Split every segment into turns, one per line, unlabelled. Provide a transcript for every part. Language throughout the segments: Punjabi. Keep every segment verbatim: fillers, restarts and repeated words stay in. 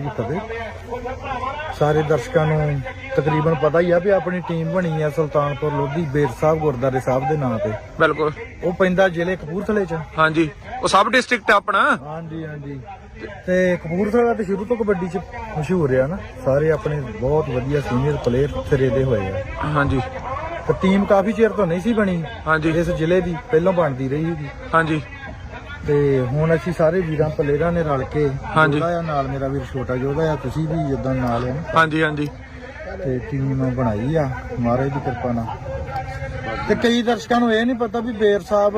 जी फतेह। सारे दर्शकों को तकरीबन पता ही है भी अपनी टीम बनी है सुल्तानपुर लोधी बेर साहब गुरुद्वारे साहब के नाम से।
बिल्कुल
वो पैंदा जिले कपूरथले च।
हाँ जी वो सब डिस्ट्रिक्ट अपना।
हाँ जी हाँ जी ते कपूरथला तो शुरू तो कबड्डी च मशहूर है ना, सारे अपने बहुत वधिया सीनियर प्लेयर सिरे दे होए है।
हाँ जी
तो टीम काफी चेर तो नहीं सी बनी।
हाँ जी
इस जिले की पहलों बनती रही है।
हाँ जी
ਤੇ ਹੁਣ ਅਸੀਂ ਸਾਰੇ ਵੀਰਾਂ ਪਲੇਅਰਾਂ ਨੇ ਰਲ ਕੇ
ਹਾਂਜੀ
ਆ ਨਾਲ ਮੇਰਾ ਵੀਰ ਛੋਟਾ ਯੋਧਾ ਆ, ਤੁਸੀਂ ਵੀ ਇਦਾਂ ਨਾਲ ਆ।
ਹਾਂਜੀ ਹਾਂਜੀ
ਤੇ ਟੀਮ ਬਣਾਈ ਆ ਮਹਾਰਾਜ ਦੀ ਕਿਰਪਾ ਨਾਲ। ਤੇ ਕਈ ਦਰਸ਼ਕਾਂ ਨੂੰ ਇਹ ਨਹੀਂ ਪਤਾ ਵੀ ਬੇਰ ਸਾਹਿਬ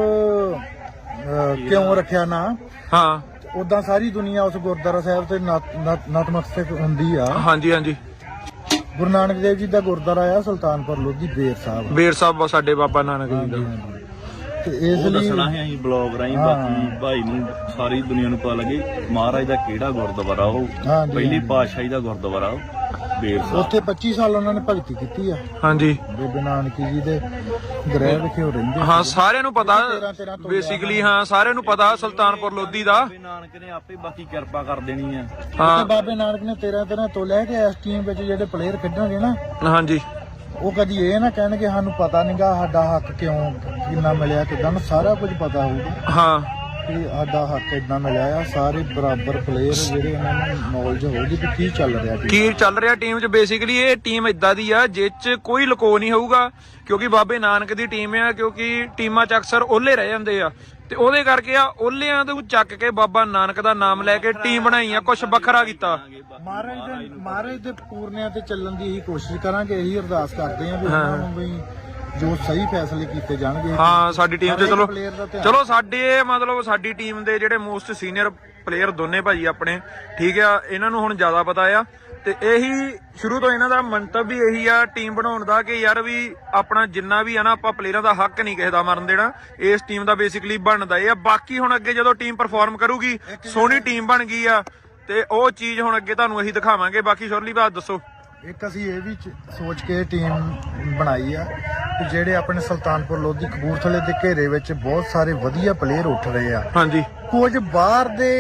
ਕਿਉਂ ਰੱਖਿਆ ਨਾ।
ਹਾਂ
ਉਦਾਂ ਸਾਰੀ ਦੁਨੀਆ ਉਸ ਗੁਰਦੁਆਰਾ ਸਾਹਿਬ ਤੇ ਨਤਮਸਤਕ ਹੁੰਦੀ ਆ।
ਹਾਂਜੀ ਹਾਂਜੀ
ਗੁਰੂ ਨਾਨਕ ਦੇਵ ਜੀ ਦਾ ਗੁਰਦੁਆਰਾ ਆ ਸੁਲਤਾਨਪੁਰ ਲੋਧੀ ਬੇਰ ਸਾਹਿਬ।
ਬੇਰ ਸਾਹਿਬ ਸਾਡੇ ਬਾਬਾ ਨਾਨਕ ਜੀ ਦਾ।
ਤੇ ਇਸ ਲਈ
ਦੱਸਣਾ ਹੈ ਅਸੀਂ ਬਲੌਗ ਰਾਹੀਂ ਬਾਕੀ ਭਾਈ ਨੂੰ ਸਾਰੀ ਦੁਨੀਆ ਨੂੰ ਪਤਾ ਲੱਗੇ ਮਹਾਰਾਜ ਦਾ ਕਿਹੜਾ ਗੁਰਦੁਆਰਾ ਉਹ ਪਹਿਲੀ ਪਾਤਸ਼ਾਹੀ ਦਾ ਗੁਰਦੁਆਰਾ ਉਹ ਬੇਰ ਸਾਹਿਬ।
ਉੱਥੇ ਪੱਚੀ ਸਾਲ ਉਹਨਾਂ ਨੇ ਭਗਤੀ ਕੀਤੀ ਆ।
ਹਾਂਜੀ
ਬੇਬੇ ਨਾਨਕੀ ਜੀ ਦੇ ਗ੍ਰਹਿ ਵਿਖੇ ਹੋ ਰਹਿੰਦੇ।
ਹਾਂ ਸਾਰਿਆਂ ਨੂੰ ਪਤਾ ਬੇਸਿਕਲੀ। ਹਾਂ ਸਾਰਿਆਂ ਨੂੰ ਪਤਾ ਸੁਲਤਾਨਪੁਰ ਲੋਧੀ ਦਾ।
ਬਾਬੇ ਨਾਨਕ ਨੇ ਆਪੇ ਬਾਕੀ ਕਿਰਪਾ ਕਰ ਦੇਣੀ ਆ।
ਹਾਂ ਬਾਬੇ ਨਾਨਕ ਨੇ ਤੇਰਾਂ ਤੇਰਾਂ ਤੋਂ ਲੈ ਕੇ ਇਸ ਟੀਮ ਵਿੱਚ ਜਿਹੜੇ ਪਲੇਅਰ ਖੇਡਣਗੇ ਨਾ,
ਹਾਂਜੀ
ਉਹ ਕਦੀ ਇਹ ਨਾ ਕਹਿਣਗੇ ਸਾਨੂੰ ਪਤਾ ਨਹੀਂਗਾ ਸਾਡਾ ਹੱਕ ਕਿਉਂ ਕਿੰਨਾ ਮਿਲਿਆ ਕਿਦਾਂ, ਸਾਰਾ ਕੁਝ ਪਤਾ ਹੋਊਗਾ।
ਹਾਂ
ਕਿ ਸਾਡਾ ਹੱਕ ਇਦਾਂ ਮਿਲਿਆ ਆ। ਸਾਰੇ ਬਰਾਬਰ ਪਲੇਅਰ ਜਿਹੜੇ ਉਹਨਾਂ ਨੂੰ ਨੌਲੇਜ ਹੋਊਗੀ ਕਿ ਕੀ ਚੱਲ ਰਿਹਾ
ਕੀ ਚੱਲ ਰਿਹਾ ਟੀਮ 'ਚ। ਬੇਸਿਕਲੀ ਇਹ ਟੀਮ ਇਦਾਂ ਦੀ ਆ ਜਿਸ 'ਚ ਕੋਈ ਲੁਕੋ ਨਹੀਂ ਹੋਊਗਾ, ਕਿਉਂਕਿ ਬਾਬੇ ਨਾਨਕ ਦੀ ਟੀਮ ਆ। ਕਿਉਂਕਿ ਟੀਮਾਂ 'ਚ ਅਕਸਰ ਓਲੇ ਰਹਿ ਜਾਂਦੇ ਆ ਤੇ ਉਹਦੇ ਕਰਕੇ ਆ ਓਲਿਆਂ ਤੋਂ ਚੱਕ ਕੇ ਬਾਬਾ ਨਾਨਕ ਦਾ ਨਾਮ ਲੈ ਕੇ ਟੀਮ ਬਣਾਈ ਆ, ਕੁਛ ਵੱਖਰਾ ਕੀਤਾ।
ਮਹਾਰਾਜ ਦੇ ਮਹਾਰਾਜ ਦੇ ਪੂਰਨਿਆਂ ਤੇ ਚੱਲਣ ਦੀ ਇਹੀ ਕੋਸ਼ਿਸ਼ ਕਰਾਂਗੇ, ਇਹੀ ਅਰਦਾਸ ਕਰਦੇ ਆਂ ਵੀ ਉਹਨਾਂ ਨੂੰ ਵੀ ਜੋ ਸਹੀ ਫੈਸਲੇ ਕੀਤੇ ਜਾਣਗੇ।
ਹਾਂ ਸਾਡੀ ਟੀਮ 'ਚ ਚਲੋ ਚਲੋ ਸਾਡੇ ਮਤਲਬ ਸਾਡੀ ਟੀਮ ਦੇ ਜਿਹੜੇ ਮੋਸਟ ਸੀਨੀਅਰ ਪਲੇਅਰ ਦੋਨੇ ਭਾਜੀ ਆਪਣੇ, ਠੀਕ ਆ, ਇਹਨਾਂ ਨੂੰ ਹੁਣ ਜ਼ਿਆਦਾ ਪਤਾ ਆ। ਤੇ ਇਹੀ ਸ਼ੁਰੂ ਤੋਂ ਇਹਨਾਂ ਦਾ ਮੰਤਵ ਵੀ ਇਹੀ ਆ ਟੀਮ ਬਣਾਉਣ ਦਾ ਕਿ ਯਾਰ ਵੀ ਆਪਣਾ ਜਿੰਨਾ ਵੀ ਆ ਨਾ ਆਪਾਂ ਪਲੇਅਰਾਂ ਦਾ ਹੱਕ ਨਹੀਂ ਕਿਸੇ ਦਾ ਮਰਨ ਦੇਣਾ। ਇਸ ਟੀਮ ਦਾ ਬੇਸਿਕਲੀ ਬਣਦਾ ਇਹ ਆ। ਬਾਕੀ ਹੁਣ ਅੱਗੇ ਜਦੋਂ ਟੀਮ ਪਰਫਾਰਮ ਕਰੂਗੀ, ਸੋਹਣੀ ਟੀਮ ਬਣ ਗਈ ਆ ਤੇ ਉਹ ਚੀਜ਼ ਹੁਣ ਅੱਗੇ ਤੁਹਾਨੂੰ ਅਸੀਂ ਦਿਖਾਵਾਂਗੇ। ਬਾਕੀ ਸ਼ੁਰਲੀ ਬਾਤ ਦੱਸੋ।
ਇੱਕ ਅਸੀਂ ਇਹ ਵੀ ਸੋਚ ਕੇ ਟੀਮ ਬਣਾਈ ਆ ਕਿ ਜਿਹੜੇ ਆਪਣੇ ਸੁਲਤਾਨਪੁਰ ਲੋਧੀ ਕਪੂਰਥਲੇ ਦੇ ਘੇਰੇ ਵਿੱਚ ਬਹੁਤ ਸਾਰੇ ਵਧੀਆ ਪਲੇਅਰ ਉੱਠ ਰਹੇ ਆ।
ਹਾਂਜੀ
ਕੁਝ ਬਾਹਰ ਦੇ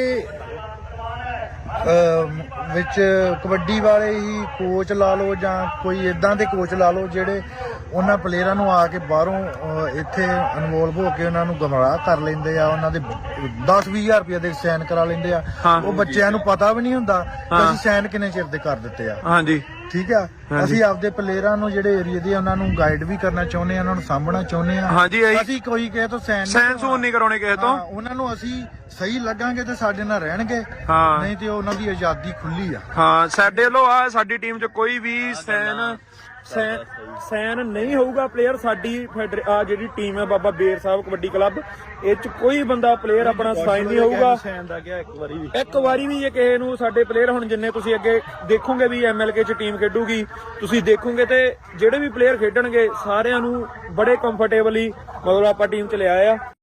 ਵਿੱਚ ਕਬੱਡੀ ਵਾਲੇ ਹੀ ਕੋਚ ਲਾ ਲਓ ਜਾਂ ਕੋਈ ਇਦਾਂ ਦੇ ਕੋਚ ਲਾ ਲਓ ਜਿਹੜੇ ਉਹਨਾਂ ਪਲੇਅਰਾਂ ਨੂੰ ਆ ਕੇ ਬਾਹਰੋਂ ਇੱਥੇ ਇਨਵੋਲਵ ਹੋ ਕੇ ਉਹਨਾਂ ਨੂੰ ਗਮਰਾਹ ਕਰ ਲੈਂਦੇ ਆ। ਉਹਨਾਂ ਦੇ ਦਸ ਵੀਹ ਹਜ਼ਾਰ ਰੁਪਏ ਦੇ ਸਾਈਨ ਕਰਾ ਲੈਂਦੇ ਆ। ਉਹ ਬੱਚਿਆਂ ਨੂੰ ਪਤਾ ਵੀ ਨਹੀਂ ਹੁੰਦਾ ਕਿ ਅਸੀਂ ਸਾਈਨ ਕਿੰਨੇ ਚਿਰ ਦੇ ਕਰ ਦਿੱਤੇ ਆ।
ਹਾਂਜੀ
ਠੀਕ ਆ। ਅਸੀਂ ਆਪਦੇ ਪਲੇਅਰਾਂ ਨੂੰ ਜਿਹੜੇ ਏਰੀਆ ਦੇ ਉਹਨਾਂ ਨੂੰ ਗਾਈਡ ਵੀ ਕਰਨਾ ਚਾਹੁੰਦੇ ਆ, ਉਹਨਾਂ ਨੂੰ ਸਾਂਭਣਾ ਚਾਹੁੰਦੇ ਆ।
ਹਾਂਜੀ
ਅਸੀਂ ਕੋਈ ਕਿਸੇ ਤੋਂ ਸਾਈਨ
ਸਾਈਨ ਸੂਨ ਨਹੀਂ ਕਰਾਉਣੇ ਕਿਸੇ ਤੋਂ।
ਉਹਨਾਂ ਨੂੰ ਅਸੀਂ ਸਹੀ ਲੱਗਾਂਗੇ ਤੇ ਸਾਡੇ ਨਾਲ ਰਹਿਣਗੇ,
ਹਾਂ
ਨਹੀਂ ਤੇ ਉਹਨਾਂ ਦੀ ਆਜ਼ਾਦੀ ਖੁੱਲੀ ਆ।
ਹਾਂ ਸਾਡੇ ਵੱਲੋਂ ਆ ਸਾਡੀ ਟੀਮ 'ਚ ਕੋਈ ਵੀ ਸਾਈਨ ਸਾਈਨ ਨਹੀਂ ਹੋਊਗਾ ਪਲੇਅਰ। ਸਾਡੀ ਆ ਜਿਹੜੀ ਟੀਮ ਹੈ ਬਾਬਾ ਬੇਰ ਸਾਹਿਬ ਕਬੱਡੀ ਕਲੱਬ, ਇਹ 'ਚ ਕੋਈ ਬੰਦਾ ਪਲੇਅਰ ਆਪਣਾ ਸਾਈਨ ਨਹੀਂ ਹੋਊਗਾ ਇੱਕ ਵਾਰੀ ਵੀ। ਇੱਕ ਵਾਰੀ ਵੀ ਇਹ ਕਿਸੇ ਨੂੰ ਸਾਡੇ ਪਲੇਅਰ ਹੁਣ ਜਿੰਨੇ ਤੁਸੀਂ ਅੱਗੇ ਦੇਖੋਗੇ ਵੀ ਐਮਐਲਕੇ 'ਚ ਟੀਮ ਖੇਡੂਗੀ, ਤੁਸੀਂ ਦੇਖੋਗੇ ਤੇ ਜਿਹੜੇ ਵੀ ਪਲੇਅਰ ਖੇਡਣਗੇ ਸਾਰਿਆਂ ਨੂੰ ਬੜੇ ਕੰਫਰਟੇਬਲੀ ਮਤਲਬ ਆਪਾਂ ਟੀਮ 'ਚ ਲਿਆਏ ਆ।